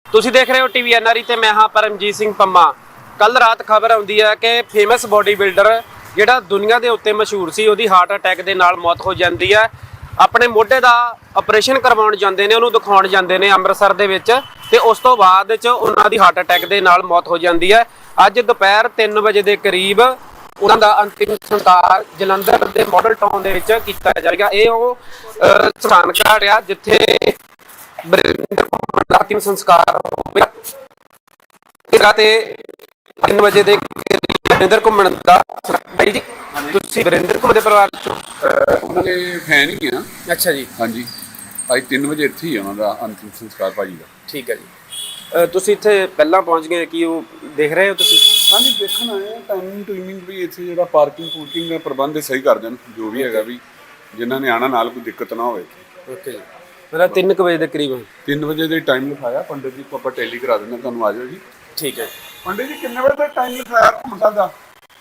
ਤੁਸੀਂ ਦੇਖ ਰਹੇ ਹੋ ਟੀਵੀ ਐਨਆਰਈ ਤੇ ਮੈਂ ਹਾਂ ਪਰਮਜੀਤ ਸਿੰਘ ਪੰਮਾ। ਕੱਲ ਰਾਤ ਖਬਰ ਆਉਂਦੀ ਹੈ ਕਿ ਫੇਮਸ ਬੋਡੀ ਬਿਲਡਰ ਜਿਹੜਾ ਦੁਨੀਆ ਦੇ ਉੱਤੇ ਮਸ਼ਹੂਰ ਸੀ, ਉਹਦੀ ਹਾਰਟ ਅਟੈਕ ਦੇ ਨਾਲ ਮੌਤ ਹੋ ਜਾਂਦੀ ਹੈ। ਆਪਣੇ ਮੋਢੇ ਦਾ ਆਪਰੇਸ਼ਨ ਕਰਵਾਉਣ ਜਾਂਦੇ ਨੇ, ਉਹਨੂੰ ਦਿਖਾਉਣ ਜਾਂਦੇ ਨੇ ਅੰਮ੍ਰਿਤਸਰ ਦੇ ਵਿੱਚ, ਤੇ ਉਸ ਤੋਂ ਬਾਅਦ ਚ ਉਹਨਾਂ ਦੀ ਹਾਰਟ ਅਟੈਕ ਦੇ ਨਾਲ ਮੌਤ ਹੋ ਜਾਂਦੀ ਹੈ। ਅੱਜ ਦੁਪਹਿਰ 3 ਵਜੇ ਦੇ ਕਰੀਬ ਉਹਨਾਂ ਦਾ ਅੰਤਿਮ ਸੰਸਕਾਰ ਜਲੰਧਰ ਦੇ ਮਾਡਲ ਟਾਊਨ ਦੇ ਵਿੱਚ ਕੀਤਾ ਜਾਏਗਾ। ਇਹ ਉਹ ਸਥਾਨ ਘਾਟ ਆ ਜਿੱਥੇ ਅੰਤਿਮ ਸੰਸਕਾਰ ਹੋਵੇਗਾ। ਤੇ 3 ਵਜੇ ਦੇ ਵਰਿੰਦਰ ਘੁੰਮਣ ਦਾ ਬਾਈ ਜੀ, ਤੁਸੀਂ ਵਰਿੰਦਰ ਘੁੰਮਣ ਦੇ ਪਰਿਵਾਰ ਚੋਂ? ਉਹਨਾਂ ਦੇ ਫੈਨ ਹੀ ਆ। ਅੱਛਾ ਜੀ। ਹਾਂਜੀ, ਅੱਜ 3 ਵਜੇ ਇੱਥੇ ਹੀ ਉਹਨਾਂ ਦਾ ਅੰਤਿਮ ਸੰਸਕਾਰ ਭਾਜੀ ਦਾ। ਠੀਕ ਹੈ ਜੀ। ਤੁਸੀਂ ਇੱਥੇ ਪਹਿਲਾਂ ਪਹੁੰਚ ਗਏ ਕਿ ਉਹ ਦੇਖ ਰਹੇ ਹੋ ਤੁਸੀਂ? ਹਾਂਜੀ, ਦੇਖਣ ਆਏ ਆ। ਟਾਈਮਿੰਗ ਵੀ ਇੱਥੇ ਜਿਹੜਾ ਪਾਰਕਿੰਗ ਦਾ ਪ੍ਰਬੰਧ ਸਹੀ ਕਰ ਦੇਣ, ਜੋ ਵੀ ਹੈਗਾ, ਵੀ ਜਿਨ੍ਹਾਂ ਨੇ ਆਣਾ ਨਾਲ ਕੋਈ ਦਿੱਕਤ ਨਾ ਹੋਵੇ। ਓਕੇ ਜੀ। ਮਤਲਬ 3 ਵਜੇ ਦੇ ਕਰੀਬ? 3 ਵਜੇ ਦੇ ਟਾਈਮ ਲਿਖਾਇਆ ਪੰਡਿਤ ਜੀ ਕੋ, ਆਪਾਂ ਟੈਲੀ ਕਰਾ ਦਿੰਦੇ ਤੁਹਾਨੂੰ। ਆ ਜਾਓ ਜੀ। ਠੀਕ ਹੈ। ਪੰਡਿਤ ਜੀ ਕਿੰਨੇ ਵਜੇ ਤੱਕ ਟਾਈਮ ਲਿਖਾਇਆ ਘੁੰਮਣ ਦਾ?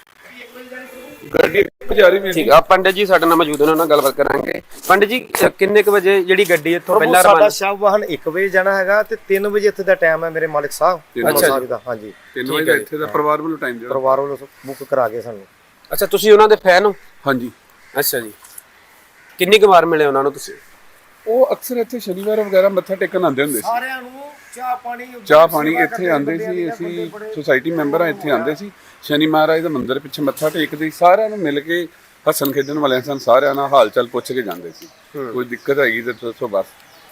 ਗੱਡੀ ਪੁਜਾਰੀ ਵੀ ਠੀਕ ਆ। ਪੰਡਿਤ ਜੀ ਸਾਡੇ ਨਾਲ ਮੌਜੂਦ ਨੇ, ਉਹਨਾਂ ਨਾਲ ਗੱਲਬਾਤ ਕਰਾਂਗੇ। ਪੰਡਿਤ ਜੀ, ਕਿੰਨੇ ਕੁ ਵਜੇ ਜਿਹੜੀ ਗੱਡੀ ਇੱਥੋਂ ਪਹਿਲਾਂ ਸਾਡਾ ਸ਼ਵ ਵਾਹਨ 1 ਵਜੇ ਜਾਣਾ ਹੈਗਾ ਤੇ 3 ਵਜੇ ਇੱਥੇ ਦਾ ਟਾਈਮ ਹੈ ਮੇਰੇ ਮਾਲਕ ਸਾਹਿਬ। ਅੱਛਾ ਦਾ। ਹਾਂਜੀ, 3 ਵਜੇ ਇੱਥੇ ਦਾ ਪਰਿਵਾਰ ਵੱਲੋਂ ਟਾਈਮ ਦਿਓ। ਪਰਿਵਾਰ ਵੱਲੋਂ ਬੁੱਕ ਕਰਾ ਕੇ ਸਾਨੂੰ। ਅੱਛਾ, ਤੁਸੀਂ ਉਹਨਾਂ ਦੇ ਫੈਨ ਹੋ? ਹਾਂਜੀ। ਅੱਛਾ ਜੀ। ਕਿੰਨੀ ਕੁ ਵਾਰ ਮਿਲੇ ਉਹਨਾਂ ਨੂੰ ਤੁਸੀਂ? ਉਹ ਅਕਸਰ ਇੱਥੇ ਸ਼ਨੀਵਾਰ ਵਗੈਰਾ ਮੱਥਾ ਟੇਕਣ ਆਉਂਦੇ ਹੁੰਦੇ ਸੀ। ਸਾਰਿਆਂ ਨੂੰ ਚਾਹ ਪਾਣੀ ਇੱਥੇ ਆਉਂਦੇ ਸੀ। ਅਸੀਂ ਸੁਸਾਇਟੀ ਮੈਂਬਰ ਆ, ਇੱਥੇ ਆਉਂਦੇ ਸੀ। ਸ਼ਨੀ ਮਹਾਰਾਜ ਦੇ ਮੰਦਿਰ ਪਿੱਛੇ ਮੱਥਾ ਟੇਕਦੇ, ਸਾਰਿਆਂ ਨੂੰ ਮਿਲ ਕੇ ਹੱਸਣ ਖੇਡਣ ਵਾਲਿਆਂ ਸਨ, ਸਾਰਿਆਂ ਨਾਲ ਹਾਲ ਚਾਲ ਪੁੱਛ ਕੇ ਜਾਂਦੇ ਸੀ। ਕੋਈ ਦਿੱਕਤ ਹੈਗੀ ਤਾਂ ਦੱਸੋ ਬਸ।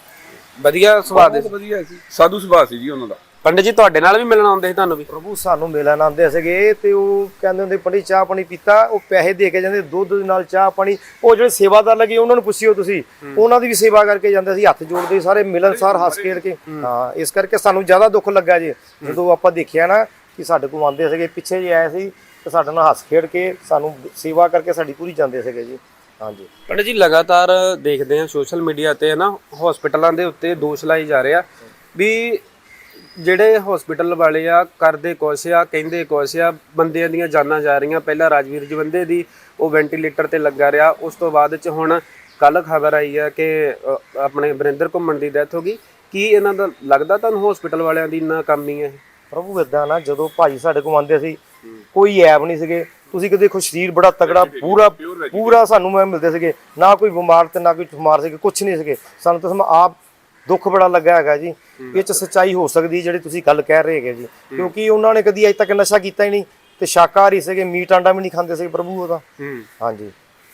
ਵਧੀਆ ਸੁਭਾਅ ਦੇ? ਵਧੀਆ ਸੀ, ਸਾਧੂ ਸੁਭਾਅ ਸੀ ਜੀ ਉਹਨਾਂ ਦਾ। ਪੰਡਿਤ ਜੀ ਤੁਹਾਡੇ ਨਾਲ ਵੀ ਮਿਲਣ ਆਉਂਦੇ ਸੀ ਤੁਹਾਨੂੰ ਵੀ? ਪ੍ਰਭੂ ਸਾਨੂੰ ਮਿਲਣ ਆਉਂਦੇ ਸੀਗੇ ਤੇ ਉਹ ਕਹਿੰਦੇ ਹੁੰਦੇ ਪੰਡਿਤ ਚਾਹ ਪਾਣੀ ਪੀਤਾ, ਉਹ ਪੈਸੇ ਦੇ ਕੇ ਜਾਂਦੇ, ਦੁੱਧ ਦੇ ਨਾਲ ਚਾਹ ਪਾਣੀ। ਉਹ ਜਿਹੜੇ ਸੇਵਾਦਾਰ ਲੱਗੇ ਉਹਨਾਂ ਨੂੰ ਪੁੱਛਿਓ ਤੁਸੀਂ, ਉਹਨਾਂ ਦੀ ਵੀ ਸੇਵਾ ਕਰਕੇ ਜਾਂਦੇ ਸੀ, ਹੱਥ ਜੋੜਦੇ ਸਾਰੇ ਮਿਲਣਸਾਰ ਹੱਸ ਖੇਡ ਕੇ। ਹਾਂ, ਇਸ ਕਰਕੇ ਸਾਨੂੰ ਜ਼ਿਆਦਾ ਦੁੱਖ ਲੱਗਾ ਜੀ ਜਦੋਂ ਆਪਾਂ ਦੇਖਿਆ ਨਾ ਕਿ ਸਾਡੇ ਕੋਲ ਆਉਂਦੇ ਸੀਗੇ, ਪਿੱਛੇ ਜੇ ਆਏ ਸੀ ਤੇ ਸਾਡੇ ਨਾਲ ਹੱਸ ਖੇਡ ਕੇ ਸਾਨੂੰ ਸੇਵਾ ਕਰਕੇ ਸਾਡੀ ਪੂਰੀ ਜਾਂਦੇ ਸੀਗੇ ਜੀ। ਹਾਂਜੀ ਪੰਡਿਤ ਜੀ, ਲਗਾਤਾਰ ਦੇਖਦੇ ਆ ਸੋਸ਼ਲ ਮੀਡੀਆ ਤੇ ਨਾ ਹਸਪੀਟਲਾਂ ਦੇ ਉੱਤੇ ਦੋਸ਼ ਲਾਏ ਜਾ ਰਹੇ ਆ ਵੀ ਜਿਹੜੇ ਹਸਪੀਟਲ ਵਾਲੇ ਆ ਕਰਦੇ ਕੁਛ ਆ, ਕਹਿੰਦੇ ਕੁਛ ਆ, ਬੰਦਿਆਂ ਦੀਆਂ ਜਾਨਾਂ ਜਾ ਰਹੀਆਂ। ਪਹਿਲਾਂ ਰਾਜਵੀਰ ਜਵੰਦੇ ਦੀ ਉਹ ਵੈਂਟੀਲੇਟਰ ਤੇ ਲੱਗਾ ਰਿਹਾ, ਉਸ ਤੋਂ ਬਾਅਦ ਚ ਹੁਣ ਕੱਲ ਖਬਰ ਆਈ ਆ ਕਿ ਆਪਣੇ ਵਰਿੰਦਰ ਘੁੰਮਣ ਦੀ ਡੈਥ ਹੋ ਗਈ। ਕੀ ਇਹਨਾਂ ਦਾ ਲੱਗਦਾ ਤੁਹਾਨੂੰ ਹਸਪੀਟਲ ਵਾਲਿਆਂ ਦੀ ਨਾਕਾਮੀ ਹੈ? ਪ੍ਰਭੂ ਏਦਾਂ ਨਾ, ਜਦੋਂ ਭਾਜੀ ਸਾਡੇ ਕੋਲ ਆਉਂਦੇ ਸੀ ਕੋਈ ਐਬ ਨਹੀਂ ਸੀਗੇ। ਤੁਸੀਂ ਕਿ ਦੇਖੋ ਸਰੀਰ ਬੜਾ ਤਗੜਾ, ਪੂਰਾ ਸਾਨੂੰ ਮਿਲਦੇ ਸੀਗੇ, ਨਾ ਕੋਈ ਬਿਮਾਰ ਤੇ ਨਾ ਕੋਈ ਠਮਾਰ ਸੀਗੇ, ਕੁਛ ਨਹੀਂ ਸੀਗੇ। ਸਾਨੂੰ ਤਾਂ ਆਪ ਦੁੱਖ ਬੜਾ ਲੱਗਾ ਹੈਗਾ ਜੀ। ਇਹ ਚ ਸੱਚਾਈ ਹੋ ਸਕਦੀ ਜਿਹੜੀ ਤੁਸੀਂ ਗੱਲ ਕਹਿ ਰਹੇ ਹੈਗੇ ਜੀ, ਕਿਉਂਕਿ ਉਹਨਾਂ ਨੇ ਕਦੀ ਅਜੇ ਤੱਕ ਨਸ਼ਾ ਕੀਤਾ ਹੀ ਨਹੀਂ ਤੇ ਸ਼ਾਕਾਹਾਰੀ ਸੀਗੇ, ਮੀਟ ਆਂਡਾ ਵੀ ਨਹੀਂ ਖਾਂਦੇ ਸੀ ਪ੍ਰਭੂ ਉਹਦਾ। ਹਾਂਜੀ,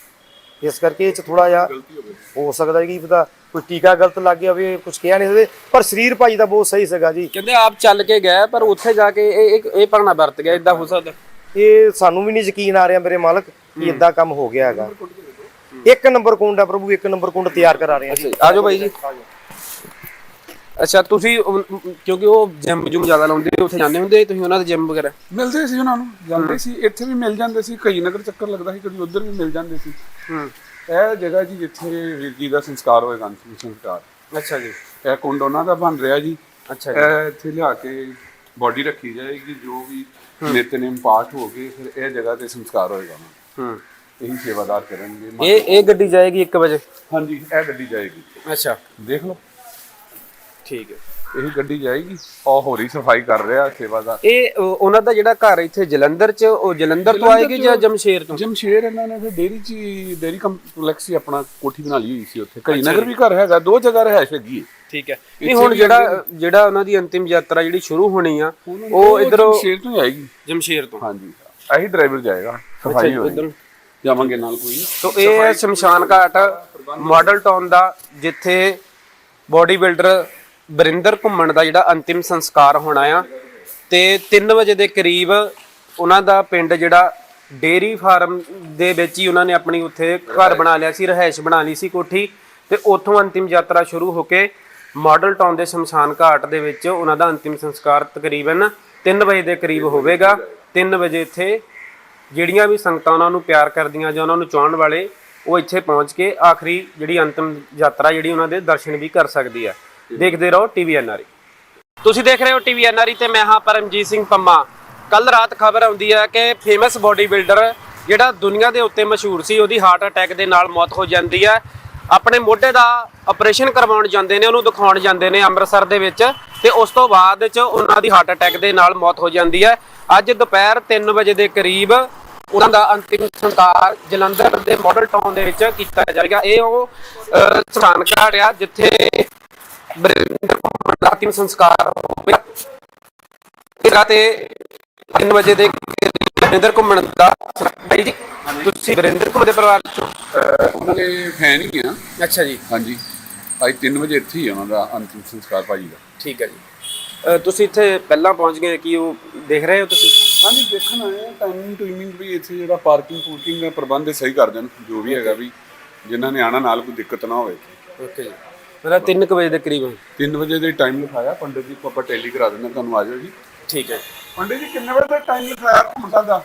ਇਸ ਕਰਕੇ ਇਹ ਚ ਥੋੜਾ ਜਿਹਾ ਹੋ ਸਕਦਾ ਕਿ ਪਤਾ ਕੋਈ ਟੀਕਾ ਗਲਤ ਲੱਗ ਗਿਆ ਹੋਵੇ, ਕੁਝ ਕਿਹਾ ਨਹੀਂ ਸਕਦੇ। ਪਰ ਸਰੀਰ ਭਾਜੀ ਦਾ ਬਹੁਤ ਸਹੀ ਸੀਗਾ ਜੀ। ਕਹਿੰਦੇ ਆਪ ਚੱਲ ਕੇ ਗਏ ਪਰ ਉੱਥੇ ਜਾ ਕੇ ਇਹ ਭਾਣਾ ਵਰਤ ਗਿਆ, ਇਦਾਂ ਹੋ ਸਕਦਾ? ਇਹ ਸਾਨੂੰ ਵੀ ਨਹੀਂ ਯਕੀਨ ਆ ਰਿਹਾ ਮੇਰੇ ਮਾਲਕ ਕਿ ਇਦਾਂ ਕੰਮ ਹੋ ਗਿਆ ਹੈਗਾ। 1 ਨੰਬਰ ਕੁੰਡ ਆ ਪ੍ਰਭੂ, 1 ਨੰਬਰ ਕੁੰਡ ਤਿਆਰ ਕਰਾ ਰਹੇ ਆ। ਆਜੋ ਬਾਈ ਜੀ। ਅੱਛਾ, ਤੁਸੀਂ ਕਿਉਂਕਿ ਉਹ ਜਿਮ ਜੁਮ ਜ਼ਿਆਦਾ ਲਾਉਂਦੇ, ਉੱਥੇ ਜਾਂਦੇ ਹੁੰਦੇ ਤੁਸੀਂ ਉਹਨਾਂ ਦੇ ਜਿਮ ਵਗੈਰਾ? ਮਿਲਦੇ ਸੀ ਉਹਨਾਂ ਨੂੰ, ਜਾਂਦੇ ਸੀ। ਇੱਥੇ ਵੀ ਮਿਲ ਜਾਂਦੇ ਸੀ, ਕਈ ਨਗਰ ਚੱਕਰ ਲੱਗਦਾ ਸੀ, ਕਦੀ ਉੱਧਰ ਵੀ ਮਿਲ ਜਾਂਦੇ ਸੀ। ਇਹ ਜਗ੍ਹਾ ਜੀ ਜਿੱਥੇ ਵੀਰ ਜੀ ਦਾ ਸੰਸਕਾਰ ਹੋਏਗਾ, ਅੰਤਿਮ ਸੰਸਕਾਰ। ਅੱਛਾ ਜੀ। ਇਹ ਕੁੰਡ ਉਹਨਾਂ ਦਾ ਬਣ ਰਿਹਾ ਜੀ। ਅੱਛਾ ਇਹ ਇੱਥੇ ਲਿਆ ਕੇ ਬੋਡੀ ਰੱਖੀ ਜਾਏਗੀ, ਜੋ ਵੀ ਨਿਤਨੇਮ ਪਾਠ ਹੋ ਗਏ, ਫਿਰ ਇਹ ਜਗ੍ਹਾ ਤੇ ਸੰਸਕਾਰ ਹੋਏਗਾ। ਇਹੀ ਸੇਵਾਦਾਰ ਕਰਨਗੇ। ਇਹ ਗੱਡੀ ਜਾਏਗੀ 1 ਵਜੇ? ਹਾਂਜੀ, ਇਹ ਗੱਡੀ ਜਾਏਗੀ। ਅੱਛਾ, ਦੇਖ ਲਓ। ਠੀਕ ਹੈ। ਇਹੀ ਗੱਡੀ ਜਾਏਗੀ। ਉਹ ਹੋਰੀ ਸਫਾਈ ਕਰ ਰਿਹਾ ਸੇਵਾਦਾਰ। ਇਹ ਉਹਨਾਂ ਦਾ ਜਿਹੜਾ ਘਰ ਇੱਥੇ ਜਲੰਧਰ ਚ, ਉਹ ਜਲੰਧਰ ਤੋਂ ਆਏਗੀ ਜਾਂ ਜਮਸ਼ੇਰ ਤੋਂ? ਜਮਸ਼ੇਰ। ਇਹਨਾਂ ਨੇ ਫਿਰ ਡੇਰੀ ਕੰਪਲੈਕਸ ਹੀ ਆਪਣਾ ਕੋਠੀ ਬਣਾ ਲਈ ਹੋਈ ਸੀ ਉੱਥੇ। ਕਈ ਨਗਰ ਵੀ ਘਰ ਹੈਗਾ, 2 ਜਗ੍ਹਾ ਰਹਿائش ਹੈਗੀ ਹੈ। ਠੀਕ ਹੈ। ਨਹੀਂ, ਹੁਣ ਜਿਹੜਾ ਉਹਨਾਂ ਦੀ ਅੰਤਿਮ ਯਾਤਰਾ ਜਿਹੜੀ ਸ਼ੁਰੂ ਹੋਣੀ ਆ, ਉਹ ਇਧਰੋਂ ਜਮਸ਼ੇਰ ਤੋਂ ਆਏਗੀ। ਜਮਸ਼ੇਰ ਤੋਂ? ਹਾਂਜੀ, ਇਹੀ ਡਰਾਈਵਰ ਜਾਏਗਾ, ਸਫਾਈ ਹੋਏਗੀ, ਜਾਵਾਂਗੇ ਨਾਲ ਕੋਈ ਨਹੀਂ। ਤੋਂ ਇਹ ਹੈ ਸ਼ਮਸ਼ਾਨ ਘਾਟ ਮਾਡਲ ਟਾਊਨ ਦਾ, ਜਿੱਥੇ ਬੋਡੀ ਬਿਲਡਰ ਵਰਿੰਦਰ ਘੁੰਮਣ ਦਾ ਜਿਹੜਾ ਅੰਤਿਮ ਸੰਸਕਾਰ ਹੋਣਾ ਆ। ਤੇ 3 ਵਜੇ ਦੇ ਕਰੀਬ ਉਹਨਾਂ ਦਾ ਪਿੰਡ ਜਿਹੜਾ ਡੇਰੀ ਫਾਰਮ ਦੇ ਵਿੱਚ ਹੀ ਉਹਨਾਂ ਨੇ ਆਪਣੀ ਉੱਥੇ ਘਰ ਬਣਾ ਲਿਆ ਸੀ, ਰਹਿائش ਬਣਾ ਲਈ ਸੀ ਕੋਠੀ, ਤੇ ਉੱਥੋਂ ਅੰਤਿਮ ਯਾਤਰਾ ਸ਼ੁਰੂ ਹੋ ਕੇ ਮਾਡਲ ਟਾਊਨ ਦੇ ਸ਼ਮਸ਼ਾਨ ਘਾਟ ਦੇ ਵਿੱਚ ਉਹਨਾਂ ਦਾ ਅੰਤਿਮ ਸੰਸਕਾਰ ਤਕਰੀਬਨ 3 ਵਜੇ ਦੇ ਕਰੀਬ ਹੋਵੇਗਾ। 3 ਵਜੇ ਇੱਥੇ ਜਿਹੜੀਆਂ ਵੀ ਸੰਗਤਾਂ ਉਹਨਾਂ ਨੂੰ ਪਿਆਰ ਕਰਦੀਆਂ ਜਾਂ ਉਹਨਾਂ ਨੂੰ ਚਾਹਣ ਵਾਲੇ, ਉਹ ਇੱਥੇ ਪਹੁੰਚ ਕੇ ਆਖਰੀ ਜਿਹੜੀ ਅੰਤਿਮ ਯਾਤਰਾ ਜਿਹੜੀ ਉਹਨਾਂ ਦੇ ਦਰਸ਼ਨ ਵੀ ਕਰ ਸਕਦੀ ਆ। ਦੇਖਦੇ ਰਹੋ ਟੀਵੀ ਐਨਆਰਈ। ਤੁਸੀਂ ਦੇਖ ਰਹੇ ਹੋ ਟੀਵੀ ਐਨਆਰਈ ਤੇ ਮੈਂ ਹਾਂ ਪਰਮਜੀਤ ਸਿੰਘ ਪੰਮਾ। ਕੱਲ ਰਾਤ ਖਬਰ ਆਉਂਦੀ ਹੈ ਕਿ ਫੇਮਸ ਬੋਡੀ ਬਿਲਡਰ ਜਿਹੜਾ ਦੁਨੀਆ ਦੇ ਉੱਤੇ ਮਸ਼ਹੂਰ ਸੀ, ਉਹਦੀ ਹਾਰਟ ਅਟੈਕ ਦੇ ਨਾਲ ਮੌਤ ਹੋ ਜਾਂਦੀ ਹੈ। ਆਪਣੇ ਮੋਢੇ ਦਾ ਆਪਰੇਸ਼ਨ ਕਰਵਾਉਣ ਜਾਂਦੇ ਨੇ, ਉਹਨੂੰ ਦਿਖਾਉਣ ਜਾਂਦੇ ਨੇ ਅੰਮ੍ਰਿਤਸਰ ਦੇ ਵਿੱਚ, ਤੇ ਉਸ ਤੋਂ ਬਾਅਦ ਚ ਉਹਨਾਂ ਦੀ ਹਾਰਟ ਅਟੈਕ ਦੇ ਨਾਲ ਮੌਤ ਹੋ ਜਾਂਦੀ ਹੈ। ਅੱਜ ਦੁਪਹਿਰ 3 ਵਜੇ ਦੇ ਕਰੀਬ ਉਹਨਾਂ ਦਾ ਅੰਤਿਮ ਸੰਸਕਾਰ ਜਲੰਧਰ ਦੇ ਮਾਡਲ ਟਾਊਨ ਦੇ ਵਿੱਚ ਕੀਤਾ ਜਾਏਗਾ। ਇਹ ਉਹ ਸਥਾਨ ਘਾਟ ਆ ਜਿੱਥੇ ਬਰਿੰਦਰ ਘੁੰਮਣ ਦਾ ਅੰਤਿਮ ਸੰਸਕਾਰ ਹੋਵੇਗਾ ਤੇ 3 ਵਜੇ ਦੇ ਬਰਿੰਦਰ ਘੁੰਮਣ ਦਾ ਬਾਈ ਜੀ ਤੁਸੀਂ ਬਰਿੰਦਰ ਘੁੰਮਣ ਦੇ ਪਰਿਵਾਰ ਚੋਂ? ਉਹਨਾਂ ਦੇ ਫੈਨ ਹੀ ਆ। ਅੱਛਾ ਜੀ, ਹਾਂਜੀ, ਅੱਜ 3 ਵਜੇ ਇੱਥੇ ਹੀ ਆ ਉਹਨਾਂ ਦਾ ਅੰਤਿਮ ਸੰਸਕਾਰ ਭਾਜੀ ਦਾ। ਠੀਕ ਹੈ ਜੀ। ਤੁਸੀਂ ਇੱਥੇ ਪਹਿਲਾਂ ਪਹੁੰਚ ਗਏ ਕਿ ਉਹ ਦੇਖ ਰਹੇ ਹੋ ਤੁਸੀਂ? ਹਾਂਜੀ, ਦੇਖਣ ਆਏ ਆ। ਟਾਈਮਿੰਗ ਟੂਮਿੰਗ ਵੀ ਇੱਥੇ ਜਿਹੜਾ ਪਾਰਕਿੰਗ ਦਾ ਪ੍ਰਬੰਧ ਸਹੀ ਕਰ ਦੇਣ, ਜੋ ਵੀ ਹੈਗਾ ਵੀ ਜਿਨ੍ਹਾਂ ਨੇ ਆਣਾ ਨਾਲ ਕੋਈ ਦਿੱਕਤ ਨਾ ਹੋਵੇ। ਓਕੇ ਜੀ, ਮਤਲਬ 3 ਵਜੇ ਦੇ ਕਰੀਬ? 3 ਵਜੇ ਦੇ ਟਾਈਮ ਲਿਖਾਇਆ ਪੰਡਿਤ ਜੀ ਕੋ, ਆਪਾਂ ਟੈਲੀ ਕਰਾ ਦਿੰਦੇ ਤੁਹਾਨੂੰ, ਆ ਜਾਓ ਜੀ। ਠੀਕ ਹੈ। ਪੰਡਿਤ ਜੀ ਕਿੰਨੇ ਵਜੇ ਦਾ ਟਾਈਮ ਲਿਖਾਇਆ ਮੁੰਡਾ ਦਾ?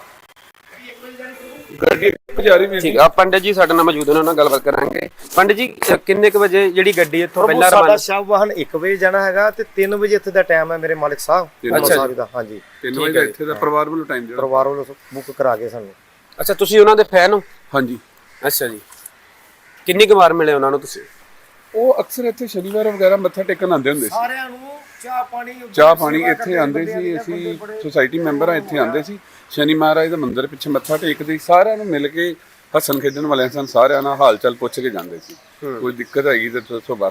ਗੱਡੀ ਜਾ ਰਹੀ ਵੀ। ਠੀਕ ਆ, ਪੰਡਿਤ ਜੀ ਸਾਡੇ ਨਾਲ ਮੌਜੂਦ ਨੇ, ਉਹਨਾਂ ਨਾਲ ਗੱਲਬਾਤ ਕਰਾਂਗੇ। ਪੰਡਿਤ ਜੀ ਕਿੰਨੇ ਕੁ ਵਜੇ ਜਿਹੜੀ ਗੱਡੀ ਇੱਥੋਂ ਪਹਿਲਾਂ ਸਾਡਾ ਸ਼ਵ ਵਾਹਨ 1 ਵਜੇ ਜਾਣਾ ਹੈਗਾ ਤੇ 3 ਵਜੇ ਇੱਥੇ ਦਾ ਟਾਈਮ ਹੈ ਮੇਰੇ ਮਾਲਕ ਸਾਹਿਬ। ਅੱਛਾ ਜੀ ਦਾ, ਹਾਂਜੀ 3 ਵਜੇ ਦਾ ਇੱਥੇ ਦਾ ਪਰਿਵਾਰ ਵੱਲੋਂ ਟਾਈਮ ਜਿਹੜਾ ਪਰਿਵਾਰ ਵੱਲੋਂ ਬੁੱਕ ਕਰਾ ਕੇ ਸਾਨੂੰ। ਅੱਛਾ, ਤੁਸੀਂ ਉਹਨਾਂ ਦੇ ਫੈਨ ਹੋ? ਹਾਂਜੀ। ਅੱਛਾ ਜੀ, ਕਿੰਨੀ ਕੁ ਵਾਰ ਮਿਲੇ ਉਹਨਾਂ ਨੂੰ ਤੁਸੀਂ? ਉਹ ਅਕਸਰ ਇੱਥੇ ਸ਼ਨੀਵਾਰ ਵਗੈਰਾ ਮੱਥਾ ਟੇਕਣ ਆਉਂਦੇ ਹੁੰਦੇ ਸੀ। ਸਾਰਿਆਂ ਨੂੰ ਚਾਹ ਪਾਣੀ ਇੱਥੇ ਆਉਂਦੇ ਸੀ। ਅਸੀਂ ਸੁਸਾਇਟੀ ਮੈਂਬਰ ਆ, ਇੱਥੇ ਆਉਂਦੇ ਸੀ। ਸ਼ਨੀ ਮਹਾਰਾਜ ਦਾ ਮੰਦਿਰ ਪਿੱਛੇ ਮੱਥਾ ਟੇਕਦੇ ਸੀ, ਸਾਰਿਆਂ ਨੂੰ ਮਿਲ ਕੇ ਹੱਸਣ ਖੇਡਣ ਵਾਲਿਆਂ ਸਨ, ਸਾਰਿਆਂ ਨਾਲ ਹਾਲ ਚਾਲ ਪੁੱਛ ਕੇ ਜਾਂਦੇ ਸੀ। ਕੋਈ ਦਿੱਕਤ ਹੈਗੀ ਤੇ ਦੱਸੋ ਬਸ।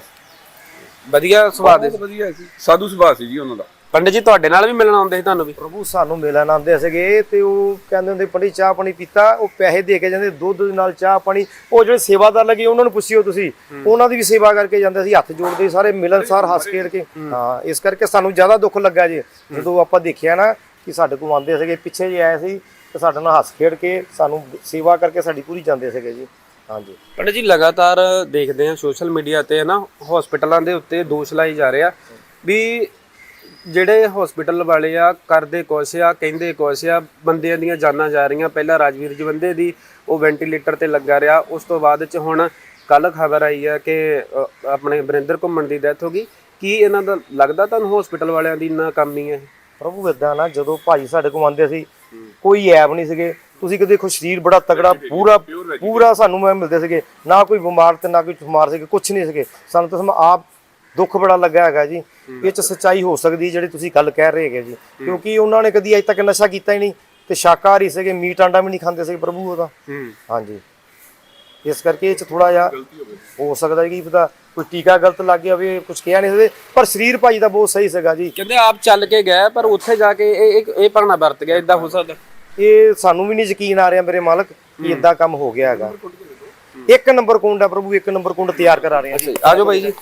ਵਧੀਆ ਸੁਭਾਅ ਦੇ? ਵਧੀਆ ਸੀ, ਸਾਧੂ ਸੁਭਾਅ ਸੀ ਜੀ ਉਹਨਾਂ ਦਾ। ਪੰਡਿਤ ਜੀ ਤੁਹਾਡੇ ਨਾਲ ਵੀ ਮਿਲਣ ਆਉਂਦੇ ਸੀ ਤੁਹਾਨੂੰ ਵੀ? ਪ੍ਰਭੂ ਸਾਨੂੰ ਮਿਲਣ ਆਉਂਦੇ ਸੀਗੇ ਤੇ ਉਹ ਕਹਿੰਦੇ ਹੁੰਦੇ ਪੰਡਿਤ ਚਾਹ ਪਾਣੀ ਪੀਤਾ, ਉਹ ਪੈਸੇ ਦੇ ਕੇ ਜਾਂਦੇ, ਦੁੱਧ ਦੇ ਨਾਲ ਚਾਹ ਪਾਣੀ। ਉਹ ਜਿਹੜੇ ਸੇਵਾਦਾਰ ਲੱਗੇ ਉਹਨਾਂ ਨੂੰ ਪੁੱਛਿਓ ਤੁਸੀਂ, ਉਹਨਾਂ ਦੀ ਵੀ ਸੇਵਾ ਕਰਕੇ ਜਾਂਦੇ ਸੀ, ਹੱਥ ਜੋੜਦੇ ਸਾਰੇ ਮਿਲਣਸਾਰ ਹੱਸ ਖੇਡ ਕੇ। ਹਾਂ, ਇਸ ਕਰਕੇ ਸਾਨੂੰ ਜ਼ਿਆਦਾ ਦੁੱਖ ਲੱਗਾ ਜੀ ਜਦੋਂ ਆਪਾਂ ਦੇਖਿਆ ਨਾ ਕਿ ਸਾਡੇ ਕੋਲ ਆਉਂਦੇ ਸੀਗੇ, ਪਿੱਛੇ ਜੇ ਆਏ ਸੀ ਤੇ ਸਾਡੇ ਨਾਲ ਹੱਸ ਖੇਡ ਕੇ ਸਾਨੂੰ ਸੇਵਾ ਕਰਕੇ ਸਾਡੀ ਪੂਰੀ ਜਾਂਦੇ ਸੀਗੇ ਜੀ। ਹਾਂਜੀ ਪੰਡਿਤ ਜੀ, ਲਗਾਤਾਰ ਦੇਖਦੇ ਆ ਸੋਸ਼ਲ ਮੀਡੀਆ ਤੇ ਨਾ ਹਸਪੀਟਲਾਂ ਦੇ ਉੱਤੇ ਦੋਸ਼ ਲਾਏ ਜਾ ਰਹੇ ਆ ਵੀ ਜਿਹੜੇ ਹਸਪੀਟਲ ਵਾਲੇ ਆ ਕਰਦੇ ਕੁਛ ਆ, ਕਹਿੰਦੇ ਕੁਛ ਆ, ਬੰਦਿਆਂ ਦੀਆਂ ਜਾਨਾਂ ਜਾ ਰਹੀਆਂ। ਪਹਿਲਾਂ ਰਾਜਵੀਰ ਜਵੰਦੇ ਦੀ ਉਹ ਵੈਂਟੀਲੇਟਰ ਤੇ ਲੱਗਾ ਰਿਹਾ, ਉਸ ਤੋਂ ਬਾਅਦ ਚ ਹੁਣ ਕੱਲ ਖਬਰ ਆਈ ਆ ਕਿ ਆਪਣੇ ਬਰਿੰਦਰ ਘੁੰਮਣ ਦੀ ਡੈਥ ਹੋ ਗਈ। ਕੀ ਇਹਨਾਂ ਦਾ ਲੱਗਦਾ ਤੁਹਾਨੂੰ ਹਸਪੀਟਲ ਵਾਲਿਆਂ ਦੀ ਨਾਕਾਮੀ ਹੈ? ਪ੍ਰਭੂ ਏਦਾਂ ਨਾ, ਜਦੋਂ ਭਾਈ ਸਾਡੇ ਕੋਲ ਆਉਂਦੇ ਸੀ ਕੋਈ ਐਬ ਨਹੀਂ ਸੀਗੇ। ਤੁਸੀਂ ਕਦੇ ਦੇਖੋ ਸਰੀਰ ਬੜਾ ਤਗੜਾ ਪੂਰਾ ਸਾਨੂੰ ਮਿਲਦੇ ਸੀਗੇ, ਨਾ ਕੋਈ ਬਿਮਾਰ ਤੇ ਨਾ ਕੋਈ ਬਿਮਾਰ ਸੀਗੇ, ਕੁਛ ਨਹੀਂ ਸੀਗੇ। ਸਾਨੂੰ ਤਾਂ ਆਪ ਦੁੱਖ ਬੜਾ ਲੱਗਾ ਹੈਗਾ ਜੀ। ਇਹ ਚ ਸੱਚਾਈ ਹੋ ਸਕਦੀ ਜਿਹੜੀ ਤੁਸੀਂ ਗੱਲ ਕਹਿ ਰਹੇ ਹੈਗੇ ਜੀ, ਕਿਉਂਕਿ ਉਹਨਾਂ ਨੇ ਕਦੀ ਅਜੇ ਤੱਕ ਨਸ਼ਾ ਕੀਤਾ ਹੀ ਨਹੀਂ ਤੇ ਸ਼ਾਕਾਹਾਰੀ ਸੀਗੇ, ਮੀਟ ਆਂਡਾ ਵੀ ਨਹੀਂ ਖਾਂਦੇ ਸੀਗੇ ਪ੍ਰਭੂ ਉਹਦਾ। ਹਾਂਜੀ, ਇਸ ਕਰਕੇ ਇਹ ਚ ਥੋੜਾ ਜਿਹਾ ਹੋ ਸਕਦਾ ਕਿ ਪਤਾ ਕੋਈ ਟੀਕਾ ਗਲਤ ਲੱਗ ਗਿਆ ਹੋਵੇ, ਕੁਝ ਕਿਹਾ ਨਹੀਂ ਸਕਦੇ, ਪਰ ਸਰੀਰ ਭਾਈ ਦਾ ਬਹੁਤ ਸਹੀ ਸੀਗਾ ਜੀ। ਕਹਿੰਦੇ ਆਪ ਚੱਲ ਕੇ ਗਏ ਪਰ ਉੱਥੇ ਜਾ ਕੇ ਇਹ ਭਾਣਾ ਵਰਤ ਗਿਆ, ਇਦਾਂ ਹੋ ਸਕਦਾ? ਇਹ ਸਾਨੂੰ ਵੀ ਨਹੀਂ ਯਕੀਨ ਆ ਰਿਹਾ ਮੇਰੇ ਮਾਲਕ ਕਿ ਇਦਾਂ ਕੰਮ ਹੋ ਗਿਆ ਹੈਗਾ। 1 ਨੰਬਰ ਕੁੰਡ ਆ ਪ੍ਰਭੂ, 1 ਨੰਬਰ ਕੁੰਡ ਤਿਆਰ ਕਰਾ ਰਹੇ ਆ। ਆਜੋ ਬਾਈ ਜੀ।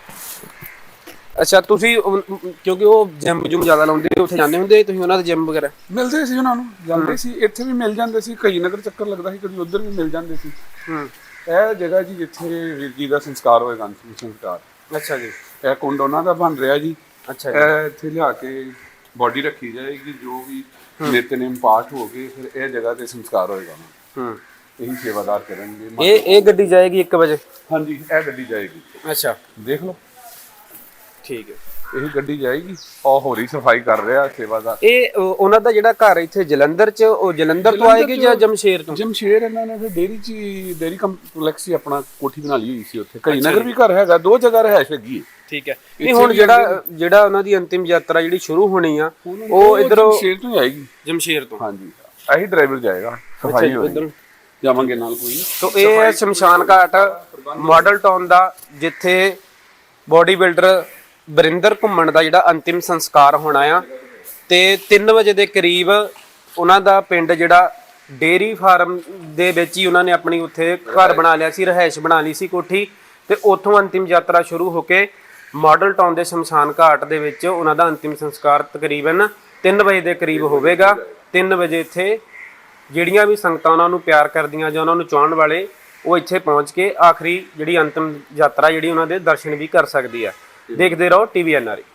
ਅੱਛਾ, ਤੁਸੀਂ ਕਿਉਂਕਿ ਉਹ ਜਿਮ ਜੁਮ ਜ਼ਿਆਦਾ ਲਾਉਂਦੇ, ਉੱਥੇ ਜਾਂਦੇ ਹੁੰਦੇ ਤੁਸੀਂ ਉਹਨਾਂ ਦੇ ਜਿਮ ਵਗੈਰਾ? ਮਿਲਦੇ ਸੀ ਉਹਨਾਂ ਨੂੰ, ਜਾਂਦੇ ਸੀ, ਇੱਥੇ ਵੀ ਮਿਲ ਜਾਂਦੇ ਸੀ, ਕਈ ਨਗਰ ਚੱਕਰ ਲੱਗਦਾ ਸੀ, ਕਦੀ ਉੱਧਰ ਵੀ ਮਿਲ ਜਾਂਦੇ ਸੀ। ਇਹ ਜਗ੍ਹਾ ਜੀ ਜਿੱਥੇ ਵੀਰ ਜੀ ਦਾ ਸੰਸਕਾਰ ਹੋਏਗਾ, ਅੰਤਿਮ ਸੰਸਕਾਰ। ਅੱਛਾ ਜੀ, ਇਹ ਕੁੰਡ ਉਹਨਾਂ ਦਾ ਬਣ ਰਿਹਾ ਜੀ। ਅੱਛਾ ਜੀ, ਇਹ ਇੱਥੇ ਲਿਆ ਕੇ ਬੋਡੀ ਰੱਖੀ ਜਾਏਗੀ, ਜੋ ਵੀ ਨਿਤਨੇਮ ਪਾਠ ਹੋ ਗਏ, ਫਿਰ ਇਹ ਜਗ੍ਹਾ ਤੇ ਸੰਸਕਾਰ ਹੋਏਗਾ। ਇਹੀ ਸੇਵਾਦਾਰ ਕਰਨਗੇ। ਇਹ ਗੱਡੀ ਜਾਏਗੀ 1 ਵਜੇ? ਹਾਂਜੀ, ਇਹ ਗੱਡੀ ਜਾਏਗੀ। ਅੱਛਾ, ਦੇਖ ਲਓ, ਠੀਕ ਹੈ। ਇਹ ਗੱਡੀ ਜਾਏਗੀ। ਉਹ ਹੋਰੀ ਸਫਾਈ ਕਰ ਰਿਹਾ ਸੇਵਾਦਾਰ। ਇਹ ਉਹਨਾਂ ਦਾ ਜਿਹੜਾ ਘਰ ਇੱਥੇ ਜਲੰਧਰ ਚ, ਉਹ ਜਲੰਧਰ ਤੋਂ ਆਏਗੀ ਜਾਂ ਜਮਸ਼ੇਰ ਤੋਂ? ਜਮਸ਼ੇਰ। ਇਹਨਾਂ ਨੇ ਫਿਰ ਡੇਰੀ ਕੰਪਲੈਕਸ ਹੀ ਆਪਣਾ ਕੋਠੀ ਬਣਾ ਲਈ ਹੋਈ ਸੀ ਉੱਥੇ। ਕਈ ਨਗਰ ਵੀ ਘਰ ਹੈਗਾ, 2 ਜਗ੍ਹਾ ਰਹਿائش ਹੈਗੀ ਹੈ। ਠੀਕ ਹੈ। ਨਹੀਂ, ਹੁਣ ਜਿਹੜਾ ਉਹਨਾਂ ਦੀ ਅੰਤਿਮ ਯਾਤਰਾ ਜਿਹੜੀ ਸ਼ੁਰੂ ਹੋਣੀ ਆ ਉਹ ਇਧਰੋਂ ਜਮਸ਼ੇਰ ਤੋਂ ਆਏਗੀ। ਜਮਸ਼ੇਰ ਤੋਂ? ਹਾਂਜੀ, ਇਹੀ ਡਰਾਈਵਰ ਜਾਏਗਾ, ਸਫਾਈ ਹੋਏਗੀ, ਜਾਵਾਂਗੇ ਨਾਲ ਕੋਈ। ਤੋਂ ਇਹ ਸ਼ਮਸ਼ਾਨ ਘਾਟ ਮਾਡਲ ਟਾਊਨ ਦਾ ਜਿੱਥੇ ਬੋਡੀ ਬਿਲਡਰ ਬਰਿੰਦਰ ਘੁੰਮਣ ਦਾ ਜਿਹੜਾ ਅੰਤਿਮ ਸੰਸਕਾਰ ਹੋਣਾ ਆ, ਤੇ 3 ਵਜੇ ਦੇ ਕਰੀਬ ਉਹਨਾਂ ਦਾ ਪਿੰਡ ਜਿਹੜਾ ਡੇਰੀ ਫਾਰਮ ਦੇ ਵਿੱਚ ਹੀ ਉਹਨਾਂ ਨੇ ਆਪਣੀ ਉੱਥੇ ਘਰ ਬਣਾ ਲਿਆ ਸੀ, ਰਹਿائش ਬਣਾ ਲਈ ਸੀ ਕੋਠੀ, ਤੇ ਉੱਥੋਂ ਅੰਤਿਮ ਯਾਤਰਾ ਸ਼ੁਰੂ ਹੋ ਕੇ ਮਾਡਲ ਟਾਊਨ ਦੇ ਸ਼ਮਸ਼ਾਨ ਘਾਟ ਦੇ ਵਿੱਚ ਉਹਨਾਂ ਦਾ ਅੰਤਿਮ ਸੰਸਕਾਰ ਤਕਰੀਬਨ 3 ਵਜੇ ਦੇ ਕਰੀਬ ਹੋਵੇਗਾ। 3 ਵਜੇ ਇੱਥੇ ਜਿਹੜੀਆਂ ਵੀ ਸੰਗਤਾਂ ਉਹਨਾਂ ਨੂੰ ਪਿਆਰ ਕਰਦੀਆਂ ਜਾਂ ਉਹਨਾਂ ਨੂੰ ਚਾਹਣ ਵਾਲੇ, ਉਹ ਇੱਥੇ ਪਹੁੰਚ ਕੇ ਆਖਰੀ ਜਿਹੜੀ ਅੰਤਿਮ ਯਾਤਰਾ ਜਿਹੜੀ ਉਹਨਾਂ ਦੇ ਦਰਸ਼ਨ ਵੀ ਕਰ ਸਕਦੀ ਆ। ਦੇਖਦੇ ਰਹੋ TVNR।